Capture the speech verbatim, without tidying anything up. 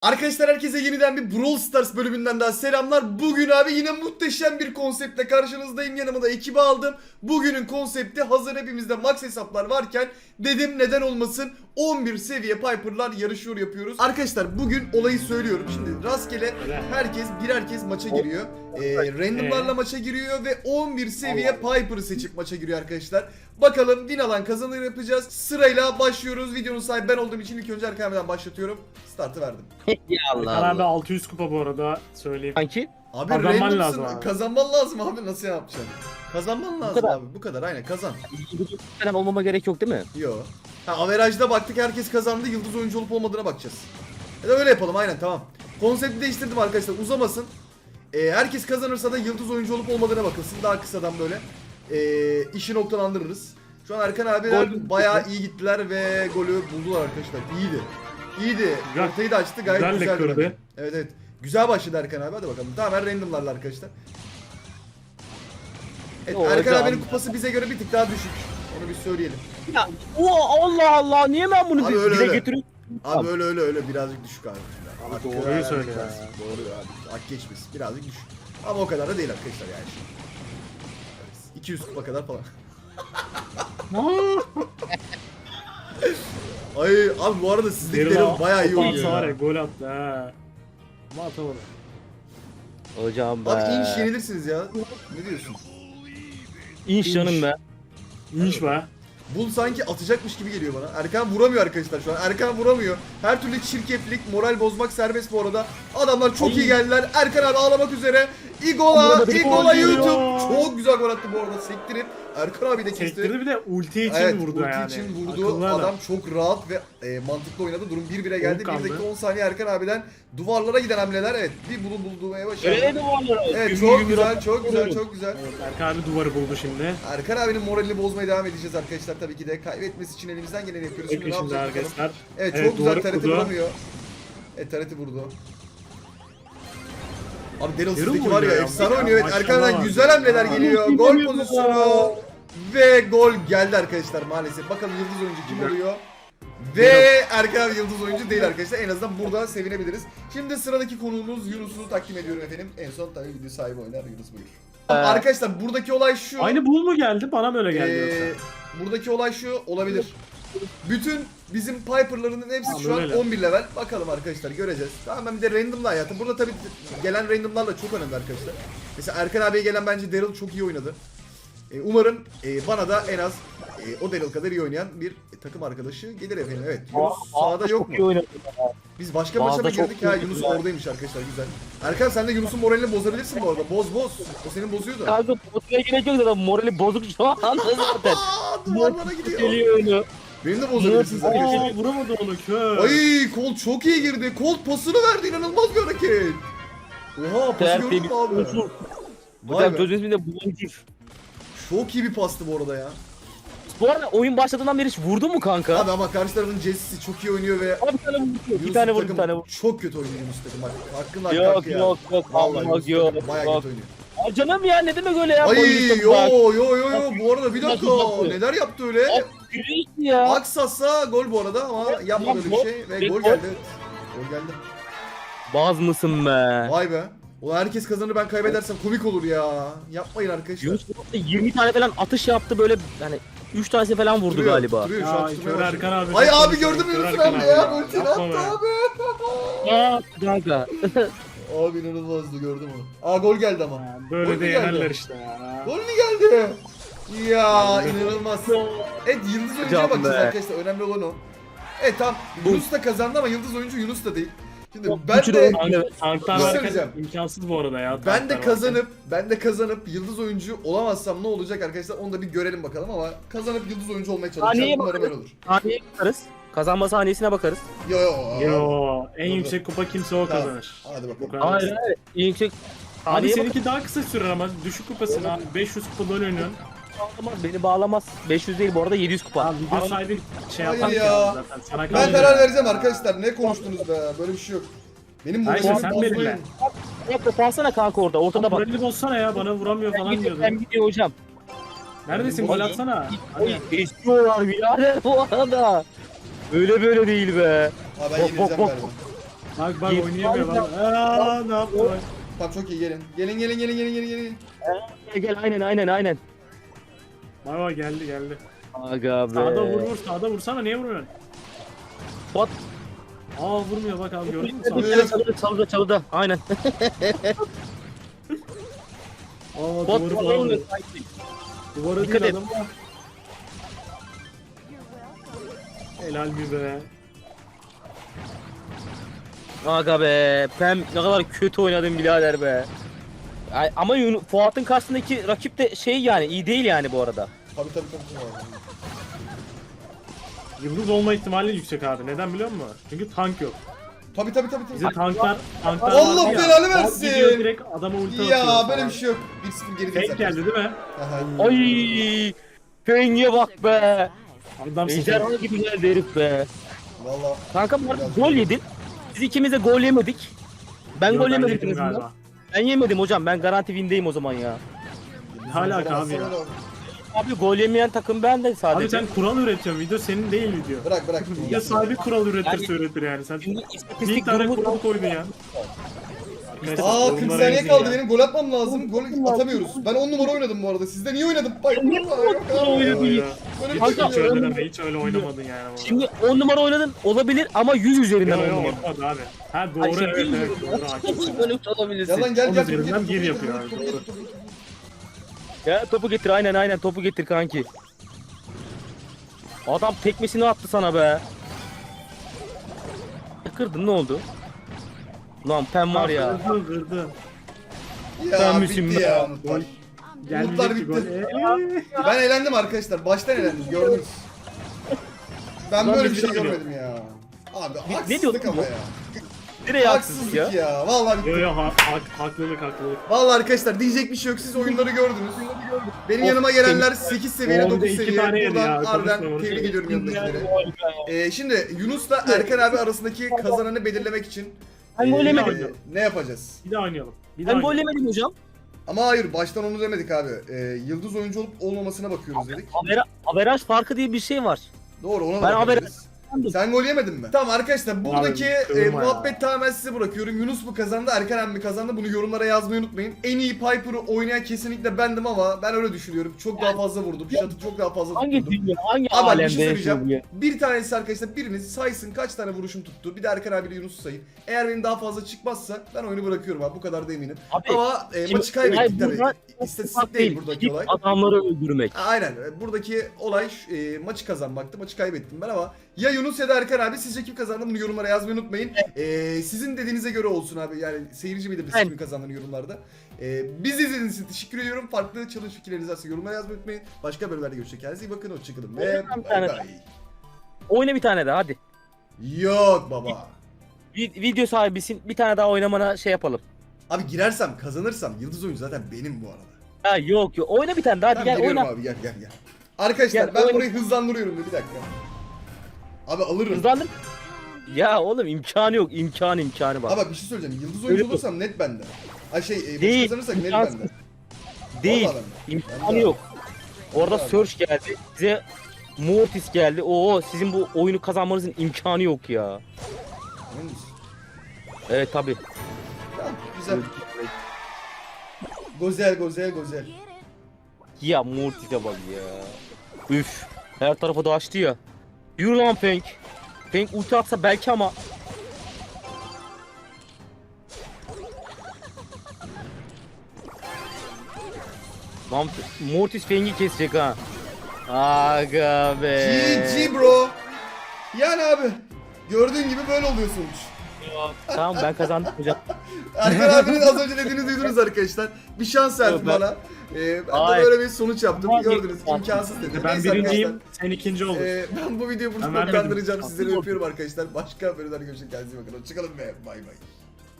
Arkadaşlar herkese yeniden bir Brawl Stars bölümünden daha selamlar. Bugün abi yine muhteşem bir konseptle karşınızdayım. Yanıma da ekibi aldım. Bugünün konsepti hazır hepimizde max hesaplar varken dedim neden olmasın on bir seviye Piper'lar yarışıyor yapıyoruz. Arkadaşlar bugün olayı söylüyorum. Şimdi rastgele herkes birer kez maça giriyor. Ee, randomlarla maça giriyor ve on bir seviye Piper'ı seçip maça giriyor arkadaşlar. Bakalım win alan kazanır yapacağız. Sırayla başlıyoruz. Videonun sahibi ben olduğum için ilk önce Erkan başlatıyorum. Startı verdim. Ya Allah Erkan abi Allah. altı yüz kupa bu arada söyleyeyim. Sanki Abi Kazanman randomsın. lazım abi. Kazanman lazım abi, nasıl yapacaksın? Kazanman lazım kadar. abi, bu kadar, aynen kazan. yıldız falan olmama gerek yok değil mi? Yo. Ha, averajda baktık, herkes kazandı, yıldız oyuncu olup olmadığına bakacağız. Ya da öyle yapalım, aynen, tamam. Konsepti değiştirdim arkadaşlar, uzamasın. Ee, herkes kazanırsa da yıldız oyuncu olup olmadığına bakılsın, daha kısadan böyle ee, işi noktalandırırız. Şu an Erkan abiler Gol. bayağı iyi gittiler ve golü buldular arkadaşlar, iyiydi. İyiydi, Güzel. ortayı da açtı, gayet Güzel de güzeldi kırdı. bence. Evet evet, güzel başladı Erkan abi, hadi bakalım. Tamamen randomlarla arkadaşlar. Evet, Yo, Erkan hocam. abinin kupası bize göre bir tık daha düşük. Onu bir söyleyelim. Ya o Allah Allah niye ben bunu Abi bir öyle dile öyle. getiriyorum? Abi öyle öyle öyle birazcık düşük abi. Abi Hakkı doğruyu helal söyle ya. etmez. Doğru abi. Hak geçmiş. Birazcık düşük. Ama o kadar da değil arkadaşlar yani. Evet, iki yüz kupa kadar falan. Ay abi, bu arada sizdeki Daryl bayağı iyi oynuyor Var ya, ya. gol attı ha. Ama atamadı. Hocam be. Abi inş yenilirsiniz ya. Ne diyorsun? İnş canım be. İnş be. Bull sanki atacakmış gibi geliyor bana. Erkan vuramıyor arkadaşlar şu an. Erkan vuramıyor. Her türlü çirkeflik, moral bozmak serbest bu arada. Adamlar çok iyi geldiler. Erkan abi ağlamak üzere. Igola, Burada bir Igola gol geliyor. YouTube. Çok güzel gol attı bu arada. Sektirip Erkan abi de kesti. Sektirdi, bir de ulti için Evet, vurdu ulti yani. için vurdu. Akıllı Adam çok rahat ve e, mantıklı oynadı. Durum bir bire geldi. kaldı. bir dakika on saniye Erkan abiden duvarlara giden hamleler. Evet, bir bulun bulduğumaya başladı. Öyle de var. Evet, çok güzel, çok güzel, çok güzel. Evet, Erkan abi duvarı buldu şimdi. Erkan abinin moralini bozmaya devam edeceğiz arkadaşlar, tabii ki de. Kaybetmesi için elimizden geleni yapıyoruz. Şimdi Peki ne şimdi yapacak bakalım. arkadaşlar. Evet, Evet, çok güzel, duvarı T R T kurdu. vuramıyor. Evet, T R T vurdu. Abi Daryl Daryl sizdeki mi var ya, oynuyor ya? efsane oynuyor. Evet, Maşallah Erkan'dan var. güzel hamleler Ya. geliyor. Gol pozisyonu. Ve gol geldi arkadaşlar maalesef. Bakalım yıldız oyuncu kim oluyor? Ve Erkan abi yıldız oyuncu değil arkadaşlar. En azından burada sevinebiliriz. Şimdi sıradaki konuğumuz Yunus'u takdim ediyorum efendim. En son tabii video sahibi oynar. Yunus buyur. Ee, Arkadaşlar buradaki olay şu. Aynı bul mu geldi? Bana mı öyle geldi Ee, yoksa? buradaki olay şu olabilir. Bütün bizim Piper'ların hepsi Tamam, şu an öyle. on bir level. Bakalım arkadaşlar, göreceğiz. Tamam, ben bir de random'la hayatım. Burada tabii gelen random'larla çok önemli arkadaşlar. Mesela Erkan abiye gelen bence Daryl çok iyi oynadı. Ee, umarım e, bana da en az e, o Daryl kadar iyi oynayan bir e, takım arkadaşı gelir efendim. Evet. Yunus sağda yok Çok iyi mu? oynadı. Biz başka Bazı maça mı çok girdik? Ha, iyi Yunus oynadı. oradaymış arkadaşlar, güzel. Erkan, sen de Yunus'un moralini bozabilirsin bu arada. Boz boz. O senin bozuyordu. Kanka bozmaya gerek yok zaten morali bozuk şu an zaten. Aa, duvarlara gidiyor. Geliyor oyunu. Benim de bozabilirsiniz arkadaşlar. Aa, vuramadı onu kör. Ay, Colt çok iyi girdi. Colt pasını verdi, inanılmaz bir hareket. Oha, pası gördün Tertemiz. mü abi? Bozuk. Vay Hocam be. sözün isminde bozuk. Çok iyi bir pastı bu arada ya. Bu arada oyun başladığından beri hiç vurdun mu kanka? Abi ama karşı tarafın Jesse'si çok iyi oynuyor ve Abi bir tane vurdu. Bir Yunus tane vurdu takım bir tane vurdu. çok kötü oynuyor Yunus takım. Bak, hakkın hakkı Yok hakkı ya. yok yok. Vallahi Allah Yunus yok. takım bayağı yok. kötü oynuyor. Aa, canım ya ne demek öyle ya? Ay Boynuzum yo bak. yo yo yo, bu arada bir dakika, Nasıl yapıyor? neler yaptı öyle? Abi, gülüyorsun ya. Aksasa gol bu arada ama yapmadı öyle bir gol. şey ve Ve gol gol. geldi. Evet. Gol geldi. Baz mısın be? Vay be. Ulan herkes kazanır, ben kaybedersem komik olur ya. Yapmayın arkadaşlar. Yunus yirmi tane falan atış yaptı böyle yani üç tanesi falan vurdu Duruyor, galiba. Duruyor, şu an Ya tutmaya kör başladı. Erkan abi. Ay çok abi, konuşuyor. gördün mü Kör Yunus'un Erkan hamle abi ya? Ultini Yapma attı be. abi. Aa kanka. Abi inanılmazdı, gördüm onu. Aa, gol geldi ama. Ya, Gol Böyle mü de geldi? yenerler işte ya. Gol mü geldi? Ya inanılmaz. Evet, yıldız oyuncuya Hocam bakacağız be. arkadaşlar, önemli olan o. Evet tamam, Yunus da kazandı ama yıldız oyuncu Yunus da değil. Şimdi ben Üçü de oynadı. Tanklar Bir şey varken söyleyeceğim. imkansız bu arada ya. ben tanklar de varken. kazanıp ben de kazanıp yıldız oyuncu olamazsam ne olacak arkadaşlar, onu da bir görelim bakalım, ama kazanıp yıldız oyuncu olmaya çalışacağım. Saniyeye Umarım öyle olur. Saniyeye bakarız. Kazanma saniyesine bakarız. Yo yo. Yo, en Dur, dur. yüksek kupa kimse o Tamam. kazanır. Hadi Bu bakalım. kadar. Hayır hayır. En yüksek Abi saniyeye seninki daha kısa sürer ama düşük kupasın abi. beş yüz kupada oynuyorsun. bağlamaz. Beni bağlamaz. beş yüz değil bu arada yedi yüz kupa. Abi video sahibi şey Hayır yapar ya. ya. Zaten. Sana Ben kalıyor. karar vereceğim arkadaşlar. Ne konuştunuz be? Böyle bir şey yok. Benim Hayır, moralimi sen bozmayın. belirle. Yap da alsana kanka orada. Ortada bak. Moralini bozsana ya, bana vuramıyor Ben falan gidiyor, diyordun. ben gidiyor hocam. Neredesin, gol atsana. Oy Hadi. istiyorlar birader bu arada. Öyle böyle değil be. Ha, ben Bok, yenileceğim bok, bok. galiba. Bak bak Gel- oynayamıyor bak. Aaa ne yaptı bak. Tamam çok iyi gelin. Gelin gelin gelin gelin gelin gelin. Gel gel aynen aynen aynen. Bak bak geldi geldi. Aga be. Sağda vur vur sağda vursana niye vurmuyorsun? Bot. Aa vurmuyor bak abi gördün mü sağda? Vuruyor. Çalıda çalıda çalıda. Aynen. Aa Bot duvarı falan falan oluyor vurdu. sanki. Duvara Dikkat değil et. adam. Helal bir be. Aga be. Pem ne kadar kötü oynadın birader be. Ay, ama Yun- Fuat'ın karşısındaki rakip de şey yani iyi değil yani bu arada. Tabii tabii tabii. tabii. Yıldız olma ihtimali yüksek abi. Neden biliyor musun? Çünkü tank yok. Tabii tabii tabii. Bize tabii. tanklar tanklar Allah vardı ya, belanı tank versin. gidiyor direkt adama ulti atıyor. Ya böyle falan. bir şey yok. bir sıfır geri Fake geldi değil mi? Aha. Ay. Fengi'ye bak be. Adam Ejderha sıfır. gibi geldi herif be. Valla. Kanka bu arada gol yedin. Biz ikimiz de gol yemedik. Ben Yo, gol ben yemedim yedim en azından. galiba. Ben yemedim hocam. Ben garanti win'deyim o zaman ya. Ne alaka abi ya? Abi gol yemeyen takım ben de Abi sadece. sen kural üretiyorsun. Video senin değil video. Bırak bırak. Video sahibi kural üretirse Yani- üretir yani. Sen Şimdi bir istatistik tane durumu kural koydun ya. Arkadaşlar, Aa kırk yorumlara saniye yazın kaldı ya. benim gol atmam lazım. Gol atamıyoruz. Ben on numara oynadım bu arada. Sizden iyi oynadım. Bak. Yok oynadı. abi. Ya. Böyle bir Hiç, şey hiç yok. öyle deme, hiç öyle oynamadın yani. bu arada. Şimdi on numara oynadın olabilir ama yüz üzerinden Yo on yo numara. olmadı abi. Ha doğru Ay, şey evet değil evet mi? doğru haklısın. Böyle olabilirsin. Gel lan gel On gel. üzerinden Topu bir getir, yapıyor topu abi, getir, doğru. topu getir, topu getir. Ya topu getir aynen aynen topu getir kanki. Adam tekmesini attı sana be. Kırdın ne oldu? Lan Pem var ya. Kırdı kırdı. Ya Sen misin bitti be? ya. Gol. Umutlar Gelmeyecek ki gol. bitti. Eee. Ben eğlendim arkadaşlar. Baştan eğlendim. Gördünüz. Ben Lan böyle bir biz şey bir şey görmedim ya. Abi ne haksızlık diyordun ama bu? ya. Nereye haksızlık Haksızlık ya? ya. Vallahi Yo bitti. yo ha, hak, haklılık haklılık. Vallahi arkadaşlar diyecek bir şey yok. Siz oyunları gördünüz. Benim Of, yanıma gelenler sekiz seviye, On bir de dokuz iki seviye. tane yedi Buradan ya, harbiden konuşma, konuşma. tebrik ediyorum yanındakilere. Ee, şimdi Yunus'la Erkan abi arasındaki kazananı belirlemek için Ben ee, gol yemedim. ne yapacağız? Bir daha oynayalım. Bir daha Ben gol oynayalım. yemedim hocam. Ama hayır baştan onu demedik abi. Ee, yıldız oyuncu olup olmamasına bakıyoruz dedik. Avera, averaj farkı diye bir şey var. Doğru ona da Ben bakabiliriz. Sen gol yemedin mi? Tamam arkadaşlar buradaki e, kırılma ya. muhabbet tamamen size bırakıyorum. Yunus mu kazandı, Erkan abi mi kazandı? Bunu yorumlara yazmayı unutmayın. En iyi Piper'ı oynayan kesinlikle bendim ama ben öyle düşünüyorum. Çok daha fazla vurdum. Shot'ı çok daha fazla Hangi tutturdum. dünya, hangi Ama bir alemde şey yaşıyor bu söyleyeceğim. ya? Bir tanesi arkadaşlar biriniz saysın kaç tane vuruşum tuttu. Bir de Erkan abiyle Yunus'u sayın. Eğer benim daha fazla çıkmazsa ben oyunu bırakıyorum abi. Bu kadar da eminim. Abi, Ama e, şimdi maçı kaybettik olay tabii. burada- İstatistik değil buradaki Gidip olay. adamları öldürmek. Aynen. Buradaki olay e, maçı kazanmaktı. Maçı kaybettim ben ama ya Yunus ya da Erkan abi sizce kim kazandı bunu yorumlara yazmayı unutmayın. E, sizin dediğinize göre olsun abi. Yani seyirci bilir Evet. kimin kazandığını yorumlarda. E, bizi izlediğiniz için teşekkür ediyorum. Farklı challenge fikirlerinizi varsa yorumlara yazmayı unutmayın. Başka bölümlerde görüşecek. Kendinize iyi bakın. Hoşçakalın ve Oyna bir bay tane bay. Oyna bir tane daha hadi. Yok baba. Vi- video sahibisin bir tane daha oynamana şey yapalım. Abi girersem kazanırsam yıldız oyuncu zaten benim bu arada. Ha yok yok oyna bir tane daha hadi Ben gel geliyorum oyna. abi gel gel gel. Arkadaşlar Gel, ben oyna. burayı hızlandırıyorum bir dakika. Abi alırım. Hızlandır. Ya oğlum imkanı yok imkanı imkanı var. Ama bir şey söyleyeceğim. Yıldız Öyle oyuncu mi? olursam net bende. Ay şey, e, maçı Değil, kazanırsak net imkansız. bende. Değil Vallahi bende. imkanı Bende. yok. Orada Vallahi Surge geldi size Mortis geldi. Oo sizin bu oyunu kazanmanızın imkanı yok ya. Emin misin? Evet tabi. Tamam, güzel. Gozel, gozel, gozel. Ya Mortis'e bak ya. Üf. Her tarafa da açtı ya. Yürü lan Feng. Feng ulti atsa belki ama. Lan Mortis Feng'i kesecek ha. Aga be. G G bro. Yani abi. Gördüğün gibi böyle oluyor sonuç. Tamam ben kazandım hocam. Erkan abinin az önce dediğini duydunuz arkadaşlar. Bir şans verdi Yok, ben- bana. Ee, ben de Hayır. böyle bir sonuç yaptım. Ama- Gördünüz imkansız dedi. Ben Neyse birinciyim, arkadaşlar, sen ikinci olur. ee, ben bu videoyu burada Ben vermedim. sonlandıracağım. Sizleri Haksız öpüyorum arkadaşlar. Başka bölümlerde görüşmek üzere. Kendinize iyi bakın. Hoşçakalın ve bay bay.